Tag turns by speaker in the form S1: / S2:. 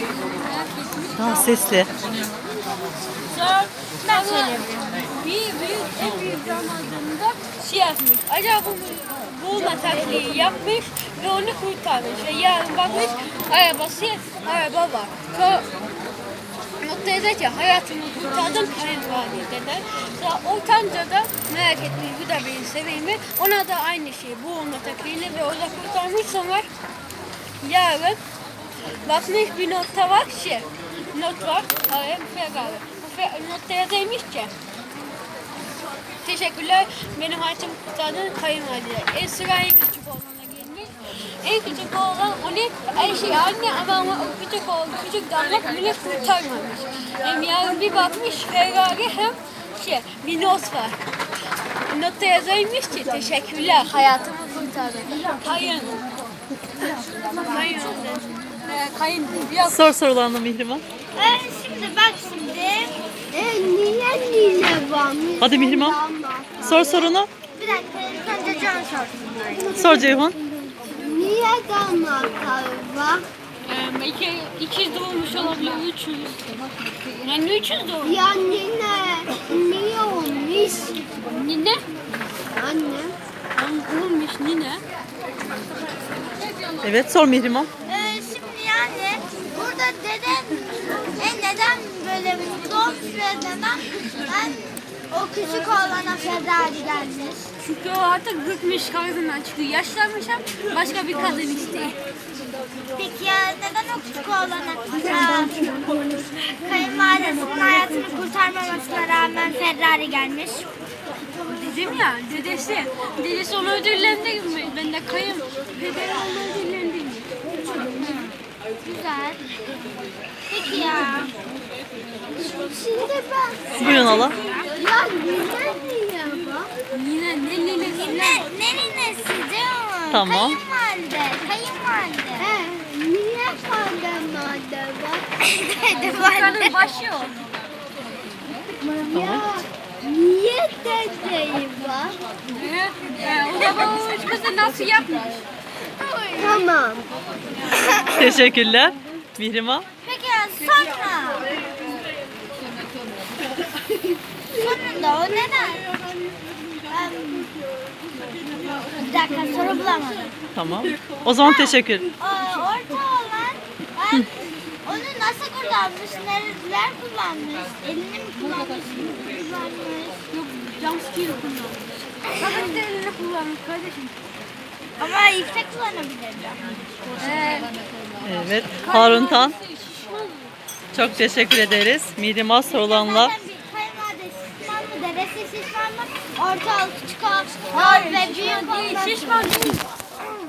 S1: Daha sesli.
S2: Sonra ben söyleyebilirim. En büyük damadında şey yapmış. Acaba bu boğulma taklidi yapmış ve onu kurtarmış. Ve yarın bakmış araba var. Sonra noktaya da ki hayatımı kurtardım kayınvalideden. Sonra ortanca da merak etmiş bu da beni seveyim mi? Ona da aynı şey boğulma taklidini ve orada kurtarmış. Sonra yarın bakmış bir notta var not var. Hayır, Ferrari. Bu notta yazaymış ki teşekkürler benim hayatımı kurtardığın kayınvalide. Sıra en küçük oğlana gelmiş. En küçük oğlan onu her şey anne ama o küçük damat bile kurtarmamış. Hem yarın bir bakmış Ferrari hem bir not var. Notta yazaymış ki teşekkürler hayatımı kurtardın. Kayın.
S1: Sor sorularını Mihrimah.
S3: Şimdi bak şimdi. Niye varmış?
S1: Hadi Mihrimah. Sor sorunu.
S3: Bir dakika. Önce Can sorsun.
S1: Sor Ceyhun.
S3: Niye damatlar var?
S2: Belki 200 doğmuş olabilir, 300. Yani 300 doğmuş.
S3: Ya niye olmuş?
S2: Nine?
S3: Anne.
S2: Olmuş nine.
S1: Evet sor Mihrimah.
S3: Şimdi yani burada neden böyle mutlu olmuş ve neden o küçük oğlana Ferrari gelmiş?
S2: Çünkü o artık bıkmış kadından çıkıyor. Yaşlanmış hem başka bir kadın istiyor.
S3: Peki ya neden o küçük oğlana kayınvalidesinin hayatını kurtarmamasına rağmen Ferrari gelmiş?
S2: Dedim ya dedesi onu ödüllendirmiyor. Ben de pederi onu ödüllendirmiyor.
S3: Güzel. Peki ya. Şimdi ben...
S1: Buyurun hala.
S3: Ya niye bak?
S2: Ne ninesi?
S3: Ne ninesi canım?
S1: Tamam.
S3: Kayınvalide. Niye kayınvalide var?
S2: Kadın başı o.
S3: Ya niye dedeyi var?
S2: O da bana üç kızı nasıl yapmış?
S3: Tamam.
S1: Teşekkürler. Mihrimah.
S3: Peki ya sonra? Sonunda o neden? Bir dakika soru bulamadım.
S1: Tamam. O zaman teşekkür.
S3: Orta olan onu nasıl kullanmış? Nereler kullanmış? Elini mi kullanmış?
S2: Yok jumpscare kullanmış. Kadın da elini kullanmış kardeşim.
S3: Ama yüksek kullanabilirdi.
S1: Evet. Harun Tan. Çok teşekkür ederiz. Mihrimah sorulanla.
S3: Zaten bir kayınvalide şişman mı? Dedesi şişman mı? Orta, küçük, ve büyük
S2: Şişman değil.